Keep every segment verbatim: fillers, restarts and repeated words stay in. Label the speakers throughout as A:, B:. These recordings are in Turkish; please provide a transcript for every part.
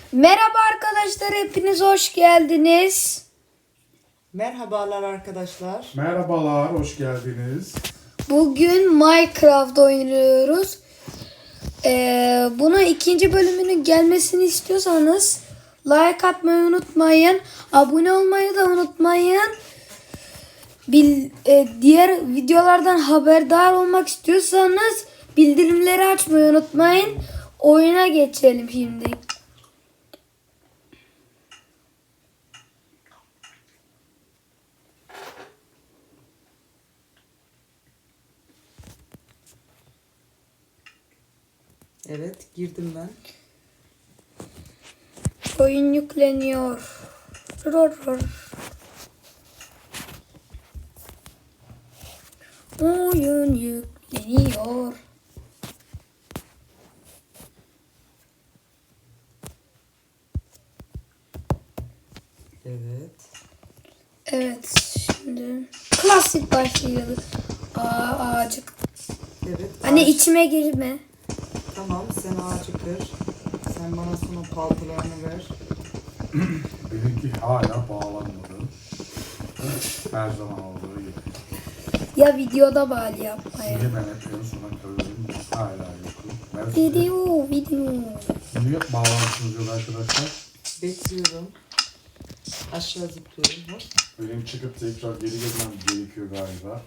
A: Merhaba arkadaşlar, hepiniz hoş geldiniz.
B: Merhabalar arkadaşlar.
C: Merhabalar, hoş geldiniz.
A: Bugün Minecraft oynuyoruz. Ee, buna ikinci bölümünün gelmesini istiyorsanız like atmayı unutmayın. Abone olmayı da unutmayın. Bil, e, diğer videolardan haberdar olmak istiyorsanız bildirimleri açmayı unutmayın. Oyuna geçelim şimdi.
B: Evet, girdim ben.
A: Oyun yükleniyor. Ror ror. Oyun yükleniyor.
B: Evet.
A: Evet, şimdi klasik başlıyoruz. Aa, ağacık.
B: Evet.
A: Anne
B: ağaç-
A: içime girme.
B: Tamam, sen ağacı kır. Sen bana sonra paltolarını ver.
C: Benimki hala bağlanmadı. Her zaman olduğu gibi.
A: Ya videoda bari yapmaya.
C: Niye ben hep en sona kalıyorum? Hala yokum. Ben size
A: Video, video.
C: niye bağlantınız yok arkadaşlar?
B: Bekliyorum. Aşağı zıplıyorum. Hop.
C: Benim çıkıp tekrar geri gelmem gerekiyor galiba.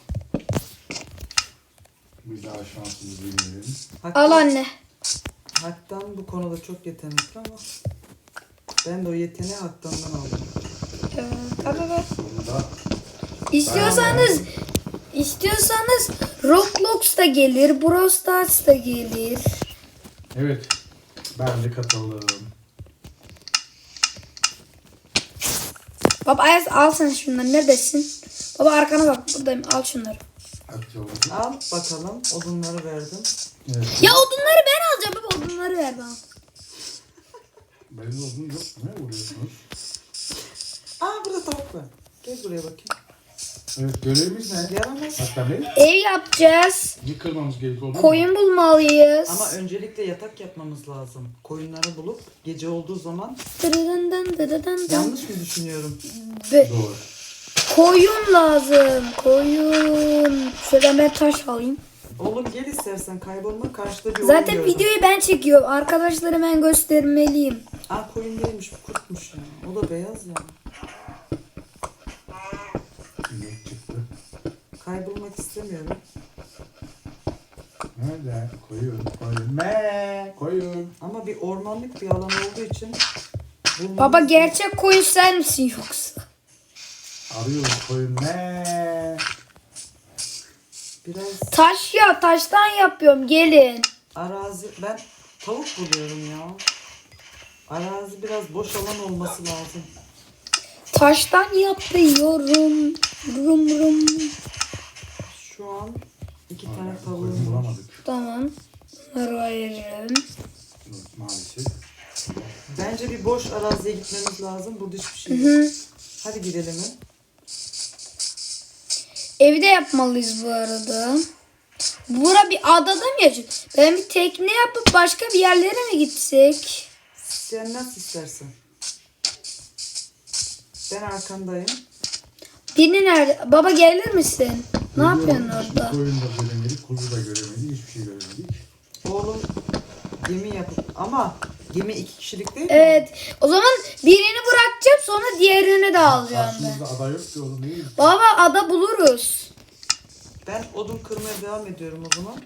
C: Biz daha şansımızı deneyelim.
B: Haktan,
A: Al anne.
B: Haktan bu konuda çok yetenekli ama ben de o yeteneği Haktan'dan aldım.
A: Evet, al, al, al.
C: Sonunda
A: İstiyorsanız, istiyorsanız Roblox da gelir, Brawl Stars da gelir.
C: evet, ben de katıldım.
A: Baba Ayaz al sen şunları, neredesin? Baba arkana bak, buradayım, al şunları.
C: Atıyorum.
B: Al bakalım. Odunları verdim.
C: Evet.
A: Ya odunları ben alacağım baba, odunları ver bana.
C: Benim olduğum yok. Ne vuruyorsunuz?
B: Aa, burada tavuk var. Gel buraya bakayım.
C: Evet, görevimiz ne?
B: Yaramaz.
C: Hatta Bey,
A: Ev yapacağız.
C: yıkılmamız gerekiyor. olur mu?
A: Koyun bulmalıyız.
B: Ama öncelikle yatak yapmamız lazım. Koyunları bulup gece olduğu zaman
A: Dırırından dırırından.
B: yanlış mı düşünüyorum?
A: Be-
C: Doğru.
A: Koyun lazım. Koyun. Şöyle ben taş alayım.
B: Oğlum gel istersen, kaybolma, karşıda bir
A: Zaten
B: oyun gördüm.
A: videoyu ben çekiyorum. Arkadaşlara ben göstermeliyim.
B: Aa, koyun değilmiş, bu kurtmuş ya. O da beyaz ya.
C: İnek çıktı.
B: Kaybolmak istemiyorum.
C: Nerede? Koyun, koyun. Me, koyun.
B: Ama bir ormanlık bir alan olduğu için bulmamız-
A: Baba gerçek koyun sen misin yoksa?
C: Arıyoruz koyun. Me.
B: biraz
A: Taş ya, taştan yapıyorum, gelin.
B: arazi, ben tavuk buluyorum ya. Arazi biraz boş alan olması lazım.
A: Taştan yapıyorum. Rum rum.
B: Şu an iki
C: Hala
B: tane
C: koyun
B: tavuğum var.
C: bulamadık.
A: Tamam. Bunları ayırırım.
C: Maalesef.
B: Bence bir boş araziye gitmemiz lazım. Burada hiçbir şey yok.
A: Hı.
B: Hadi gidelim mi?
A: Evde yapmalıyız bu arada. Bura bir adada mı yaşıyor? Ben bir tekne yapıp başka bir yerlere mi gitsek?
B: Sen nasıl istersen. Ben arkandayım.
A: Birini nerede? Baba gelir misin? Ne
C: Geliyorum.
A: yapıyorsun orada?
C: Koyun da göremedik, kuzu da göremedik, hiçbir şey göremedik.
B: Oğlum gemi yapıp ama gemi iki kişilik değil mi?
A: Evet. O zaman birini bırakacağım, sonra diğerini de alacağım ben.
C: Karşımızda ada yok ki oğlum, değil mi?
A: Baba ada buluruz.
B: Ben odun kırmaya devam ediyorum o zaman.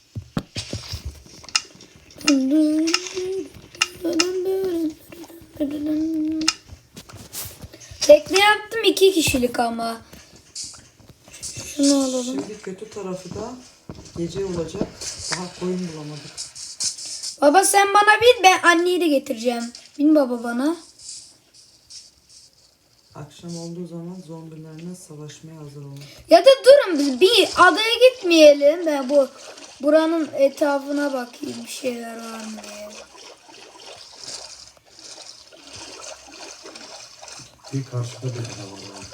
A: Tekne yaptım, iki kişilik ama. Şunu alalım.
B: Şimdi kötü tarafı da gece olacak. Daha koyun bulamadık.
A: Baba sen bana bin, ben anneyi de getireceğim. Bin baba bana.
B: Akşam olduğu zaman zombilerle savaşmaya hazır olun.
A: Ya da durun, biz bir adaya gitmeyelim. Ben bu buranın etrafına bakayım, bir şeyler var mı diye.
C: Bir karşıda bir ada var.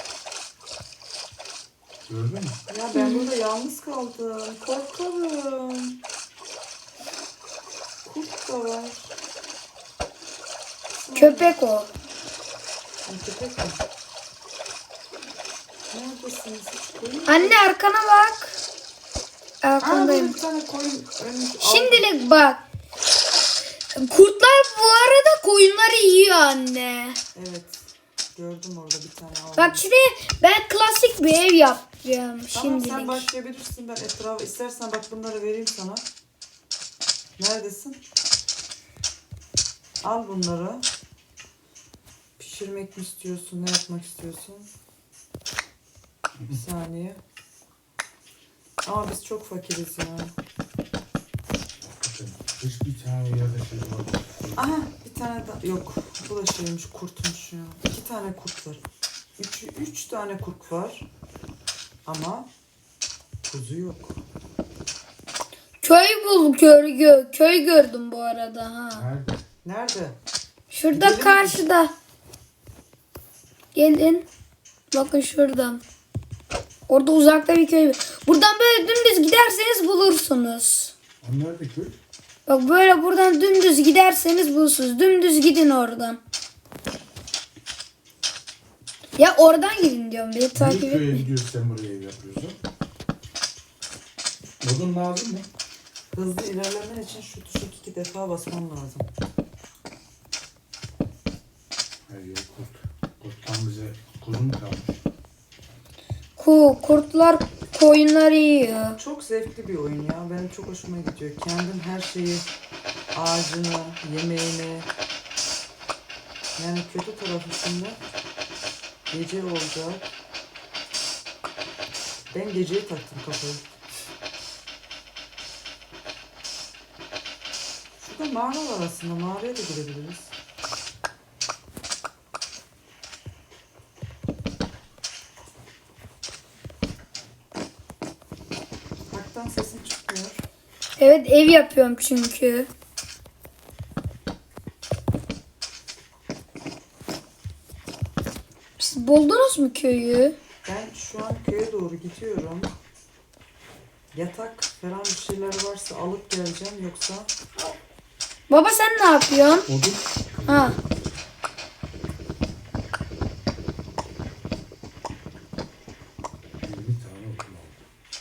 C: Gördün mü?
B: Ya ben burada yalnız kaldım. Korkarım. Kurt da var.
A: Köpek o.
B: Sen köpek mi? Neredesiniz? Hiç koyun mu?
A: Anne arkana bak.
B: Aa, böyle
A: Arkandayım.
B: bir tane koyun ölmüş. Aldım.
A: Şimdilik bak. Kurtlar bu arada koyunları yiyor anne.
B: Evet. Gördüm orada bir tane aldım.
A: Bak şimdi ben klasik bir ev yapacağım
B: Tamam, sen
A: şimdilik.
B: başlayabilirsin. Ben etrafa istersen bak bunları vereyim sana. Neredesin? Al bunları. Pişirmek mi istiyorsun? Ne yapmak istiyorsun? Bir saniye. Ama biz çok fakiriz ya.
C: Hiçbir tane yerde şey var.
B: Aha, bir tane daha. Yok, bu da şeymiş, kurtmuş ya. İki tane kurt var. Üç, üç tane kurt var. Ama kuzu yok.
A: Köy bul köy, gö köy gördüm bu arada ha.
C: Nerede?
B: Nerede?
A: Şurada
B: Gidelim mi?
A: karşıda. Gelin. Bakın şuradan. Orada uzakta bir köy. Buradan böyle dümdüz giderseniz bulursunuz.
C: O nerede köy?
A: Bak böyle buradan dümdüz giderseniz bulursunuz. Dümdüz gidin oradan. Ya oradan gidin diyorum. Beni takip
C: Niye köye
A: etmeyin.
C: gidiyorsun sen buraya ev yapıyorsun? Odun lazım mı?
B: Hızlı ilerlemen için şu tuşa iki defa basman lazım.
C: Hayır yok kurt. Kurttan bize kuzu mu kalmış?
A: Ku, kurtlar koyunları yiyor.
B: Çok zevkli bir oyun ya. Benim çok hoşuma gidiyor. Kendin her şeyi, ağacını, yemeğini. Yani kötü tarafı şimdi gece olacak. Ben geceye taktım kafayı. Şurada mağara var aslında. Mağaraya da girebiliriz. Haktan sesin çıkmıyor.
A: Evet ev yapıyorum çünkü. Siz buldunuz mu köyü?
B: Ben şu an köye doğru gidiyorum. Yatak falan bir şeyler varsa alıp geleceğim, yoksa
A: Baba sen ne yapıyorsun?
C: Odun?
A: Ha.
C: yirmi tane odun aldım.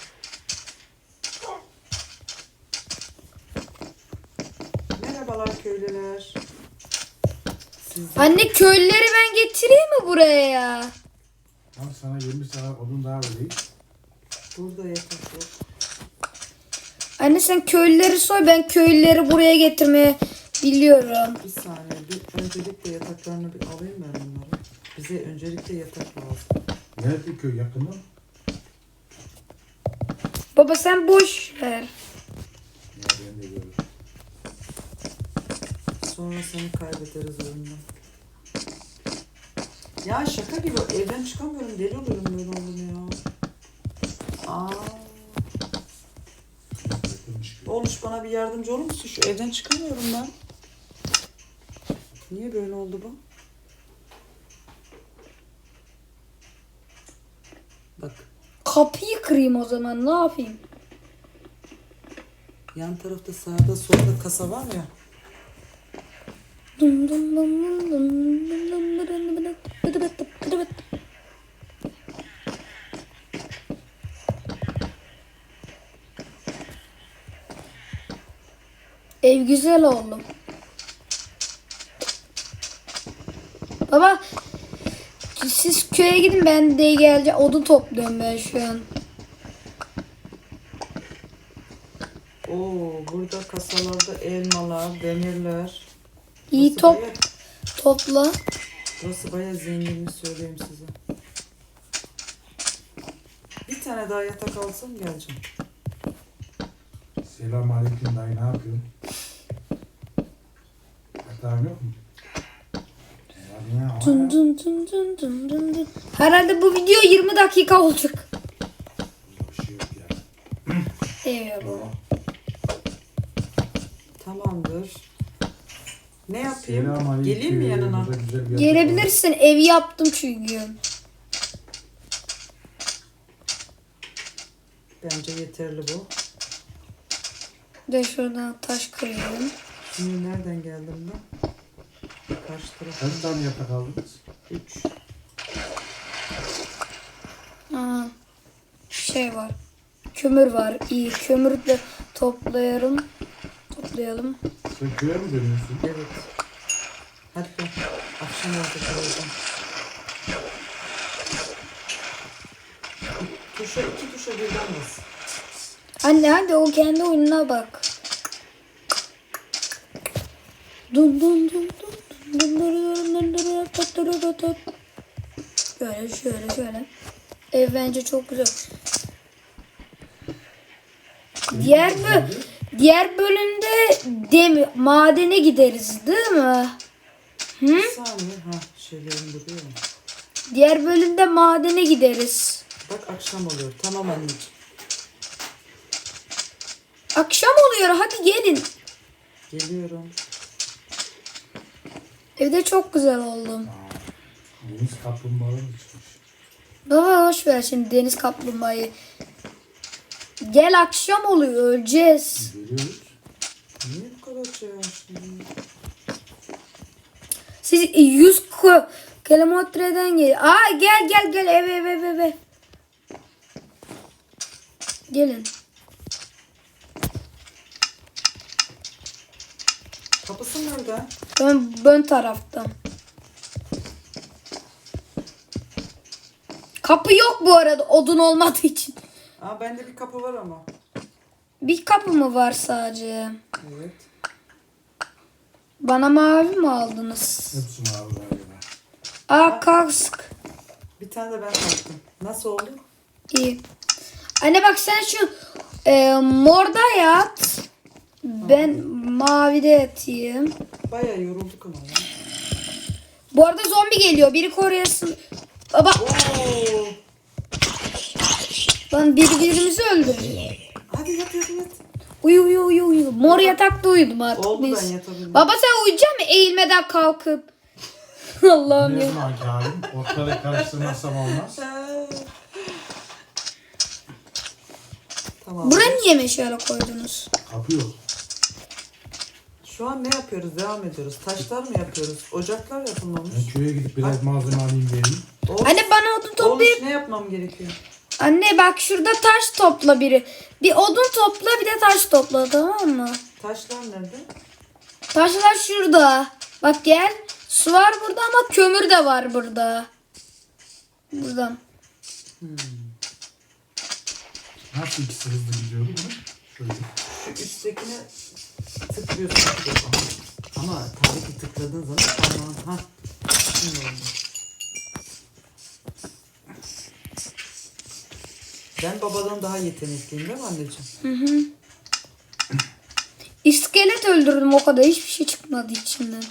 B: merhabalar köylüler. Siz
A: Anne köylüleri ben getireyim mi buraya ya?
C: Tamam sana yirmi tane odun daha vereyim.
B: burada yatak yok.
A: Anne sen köylüleri soy, ben köylüleri buraya getirmeye biliyorum.
B: Bir saniye, bir öncelikle yataklarını bir alayım ben bunları. Bize öncelikle yatak lazım.
C: Nerede köy yakında?
A: Baba sen boş ver.
C: Ya ben de görürüm.
B: Sonra seni kaybederiz oyundan. Ya şaka gibi, evden çıkamıyorum, deli oluyorum böyle oldum ya. Aa,
C: Yakınmış köy.
B: Oluş bana bir yardımcı olur musun? Şu evden çıkamıyorum ben. Niye böyle oldu bu? Bak,
A: Kapıyı kırayım o zaman, ne yapayım?
B: yan tarafta sağda solda kasa var ya.
A: Dum dum dum dum dum dum dum dum dum dum dum. Ev güzel oldu. Baba siz köye gidin, ben de geleceğim. Odun topluyorum ben şu an.
B: Oo, burada kasalarda elmalar, demirler.
A: İyi
B: Burası
A: top
B: baya-
A: topla.
B: Burası bayağı zenginmiş, söyleyeyim size. Bir tane daha yatak alsam geleceğim.
C: Selam aleyküm dayı, ne yapıyorsun? Yatağın yok mu? Hadi ya.
A: Dun dun dun dun dun dun dun. Herhalde bu video yirmi dakika olacak.
C: Bir şey yok ya.
A: Evet baba.
B: Tamamdır. Ne yapayım?
C: Selamünaleyküm.
B: Geleyim mi yanına?
C: Burada güzel bir yatak var.
A: Gelebilirsin, evi yaptım çünkü.
B: Bence yeterli bu.
A: De şuradan taş kırıyorum.
B: Şimdi nereden geldim ben? Karşı taraf.
C: Kaç tane yatak aldınız?
B: Üç.
A: Aa, şey var. Kömür var. İyi. Kömürü de toplayalım. Toplayalım.
C: Sen köye mi dönüyorsun?
B: Evet. Hadi gel. Akşam oldu birazdan. Tuşa iki tuşa birden bas.
A: Anne hadi o kendi oyununa bak. Dun dun dun dun dun dun dun dun dun dun dun dun. Şöyle şöyle şöyle. Ev bence çok güzel. Diğer bö diğer bölümde dem madene gideriz değil mi? Hı?
B: Bir saniye. Ha şeylerim duruyor mu?
A: Diğer bölümde madene gideriz.
B: Bak akşam oluyor. Tamam anneciğim.
A: Akşam oluyor hadi gelin.
B: Geliyorum.
A: Evde çok güzel oldu.
C: Deniz kaplumbağaları çıkmış.
A: Baba hoş ver şimdi deniz kaplumbağayı. Gel akşam oluyor öleceğiz.
C: Görüyoruz.
B: Niye bu kadar şey açtın?
A: Siz yüz ko- kilometreden gel. Aa gel gel gel eve eve eve eve. Gelin.
B: Kapısı nerede?
A: Ön, ön taraftan. Kapı yok bu arada odun olmadığı için.
B: Aa bende bir kapı var ama.
A: Bir kapı mı var sadece?
B: Evet.
A: Bana mavi mi aldınız?
C: Hepsi mavi galiba.
A: Aa kask.
B: Bir tane de ben taktım. Nasıl oldu?
A: İyi. Anne bak sen şu e, morda yat. Ben mavide yatayım.
B: Bayağı yorulduk ama ya.
A: Bu arada zombi geliyor. Biri koruyasın. Baba
B: Oo.
A: lan birbirimizi öldürüyor.
B: Hadi yat yat yat.
A: Uyu uyu uyu uyu. Mor yatakta uyudum artık.
B: Oldu
A: biz.
B: ben yatabildim.
A: Baba sen uyuyacak mısın eğilmeden kalkıp? Allah'ım
C: Ne
A: ya.
C: zaman ki halim? Ortalığı karıştırmazsam olmaz.
B: Tamam.
A: Buraya niye meşale koydunuz?
C: Kapı yok.
B: Şu an ne yapıyoruz? Devam ediyoruz. Taşlar mı yapıyoruz? Ocaklar yapılmamış.
C: Ben köye gidip biraz malzeme alayım geleyim.
B: Oğlum,
A: Anne bana odun
B: oğlum
A: toplayıp.
B: ne yapmam gerekiyor?
A: Anne bak şurada taş topla biri. Bir odun topla bir de taş topla tamam mı?
B: Taşlar nerede?
A: Taşlar şurada. Bak gel. Su var burada ama kömür de var burada. Buradan.
B: Hmm.
C: Nasıl ikisi hızlı gidiyordu bunu? Şöyle.
B: Şu üsttekine tıklıyorsun. Ama tabii ki tıkladığın zaman parmağın... Ha. Şimdi oldu. Ben babadan daha yetenekliyim değil mi anneciğim?
A: Hı hı. İskelet öldürdüm o kadar. Hiçbir şey çıkmadı içinden.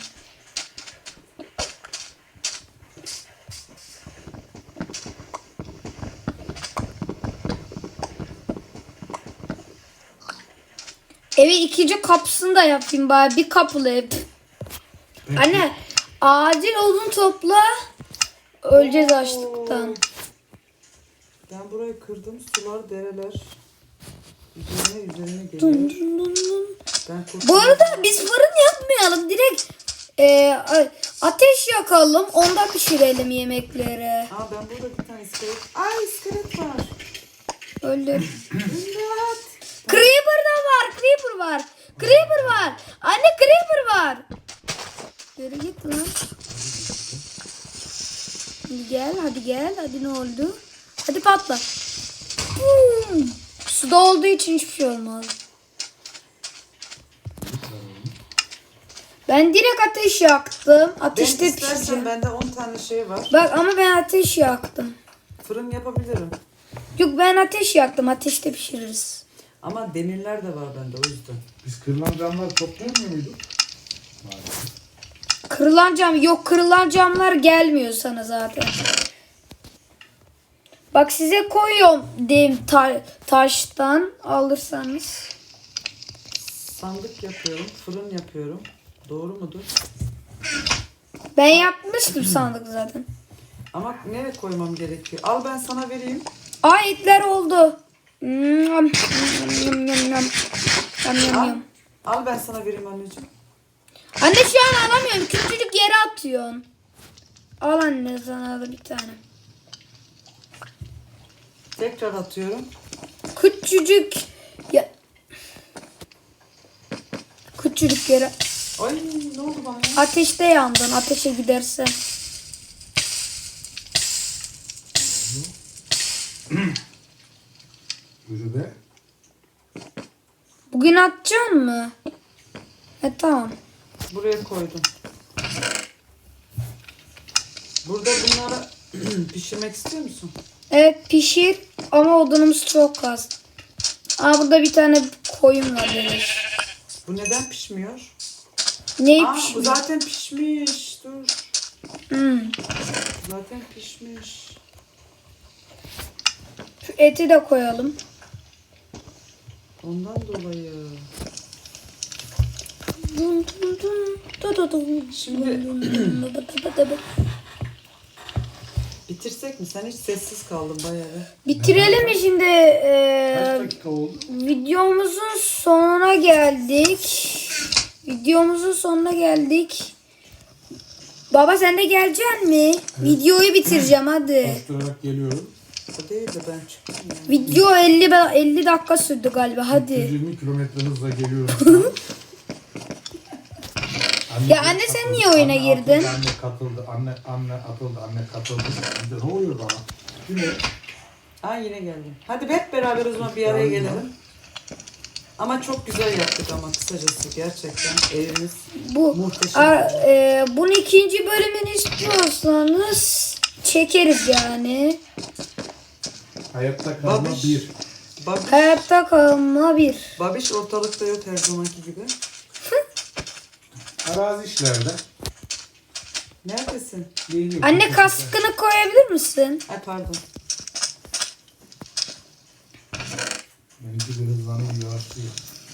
A: Evi ikinci kapısını da yapayım bari. Bir kapılı ev.
C: Peki.
A: Anne acil odun topla. Öleceğiz
B: Oo.
A: açlıktan.
B: Ben burayı kırdım. Sular, dereler. Üzerine üzerine
A: Dun
B: geliyor.
A: dun dun dun.
B: Ben kurtuldum.
A: Bu arada biz fırın yapmayalım. Direkt e, a- ateş yakalım. Onda pişirelim yemekleri.
B: Aa ben burada bir tane iskelet. Aa iskelet var.
A: Öldür.
B: İmdat.
A: Creeper da var. Creeper var. Creeper var. Anne Creeper var. Yürü git lan. Hadi gel. Hadi gel. Hadi ne oldu? Hadi patla. Boom. Suda olduğu için hiçbir şey olmaz. Ben direkt ateş yaktım.
B: Ben
A: Ateşte
B: istersen
A: pişireceğim.
B: bende on tane şey var.
A: Bak ama ben ateş yaktım.
B: Fırın yapabilirim.
A: Yok ben ateş yaktım. Ateşte pişiririz.
B: Ama demirler de var bende o yüzden.
C: Biz kırılan camları toplayamıyor muyduk? Maalesef.
A: Kırılan cam yok. Kırılan camlar gelmiyor sana zaten. Bak size koyuyorum diyeyim ta- taştan alırsanız.
B: Sandık yapıyorum, fırın yapıyorum. Doğru mudur?
A: Ben yapmıştım sandık zaten.
B: Ama nereye koymam gerekiyor? Al ben sana vereyim.
A: Aa etler oldu. Nyam, nyam, nyam, nyam. Nyam, nyam,
B: Al,
A: nyam.
B: al ben sana vereyim anneciğim.
A: Anne şu an alamıyorum. Küçücük yere atıyorsun. Al anne sana da bir tane.
B: Tekrar atıyorum.
A: Küçücük ya. Küçücük yere.
B: Ay ne oldu bana ya?
A: Ateşte yandın. Ateşe giderse.
C: Yürü be.
A: Bugün atacaksın mı? E tamam.
B: Buraya koydum. Burada bunları pişirmek istiyor musun?
A: Evet pişir ama odunumuz çok az. Aa burada bir tane koyun var Deniz.
B: Bu neden pişmiyor?
A: Neyi
B: Aa bu
A: pişmiyor?
B: zaten pişmiş. Dur.
A: Hmm.
B: Zaten pişmiş.
A: Şu eti de koyalım.
B: Ondan dolayı.
A: Dun dun dun, du du dun.
B: Şimdi-
A: Dun dun dun, du du du du.
B: Bitirsek mi? Sen hiç sessiz kaldın bayağı.
A: Bitirelim mi şimdi?
C: Kaç
A: Ee,
C: dakika oldu?
A: videomuzun sonuna geldik. Videomuzun sonuna geldik. Baba sen de geleceksin mi? Videoyu bitireceğim hadi.
C: Koşturarak geliyorum.
B: O değil de ben çıktım ya.
A: Video elli be- elli dakika sürdü galiba. Hadi.
C: yüz yirmi kilometre hızla geliyorum. Anne
A: Ya anne sen niye oyuna
C: anne
A: girdin?
C: Atıldı, anne katıldı, anne anne atıldı, anne katıldı. Bir de ne oluyor bana? Yine
B: Aa yine geldim. Hadi hep beraber o zaman bir araya
C: Geldim
B: gelelim. Ama çok güzel yaptık ama kısacası gerçekten evimiz
A: Bu
B: muhteşem.
A: ar- e, bunun ikinci bölümünü istiyorsanız çekeriz yani.
C: hayatta kalma
B: Babiş.
C: bir.
B: Babiş,
A: Hayatta kalma bir.
B: Babiş ortalıkta yok her zamanki gibi.
C: Arazi işlerde.
B: Neredesin?
C: Geliyor.
A: Anne kaskını koyabilir misin?
B: Ay pardon.
C: Benimki bir hızlanıyor, yavaşlıyor.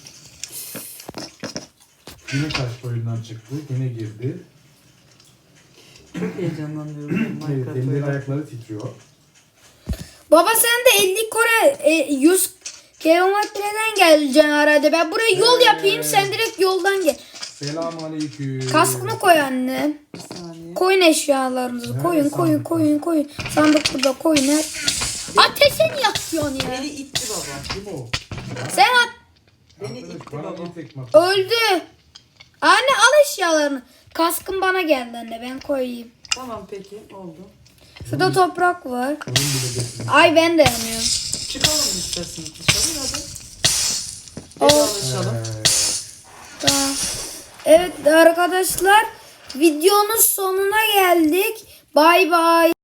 C: Yine taş oyundan çıktı, yine girdi.
B: Çok heyecanlanıyorum
C: Evet,
B: Minecraft
C: elleri
B: oyunu.
C: ayakları titriyor.
A: Baba sen de elli Kore e, yüz kilometreden geleceksin herhalde. Ben buraya yol yapayım sen direkt yoldan gel.
C: Selamun aleyküm.
A: Kaskını koy anne.
B: Bir saniye.
A: Koyun eşyalarınızı.
C: Nerede
A: Koyun koyun
C: sandık?
A: koyun koyun. Sandık burada koyun her. Ateşe niye atıyorsun ya?
B: Beni itti baba.
C: Kim o?
A: Sen at.
B: Beni
C: Arkadaş,
B: itti
C: bana
B: baba.
C: niye tekme atıyorsun?
A: Öldü. Anne al eşyalarını. Kaskın bana geldi anne ben koyayım.
B: Tamam peki oldu.
A: Şurada toprak var.
C: Onun bile getirmiş.
A: Ay ben de yanıyorum.
B: Çıkalım isterseniz dışarı hadi.
A: O-
B: Vedalaşalım.
C: Ee,
A: Tamam. Evet arkadaşlar videonun sonuna geldik. Bay bay.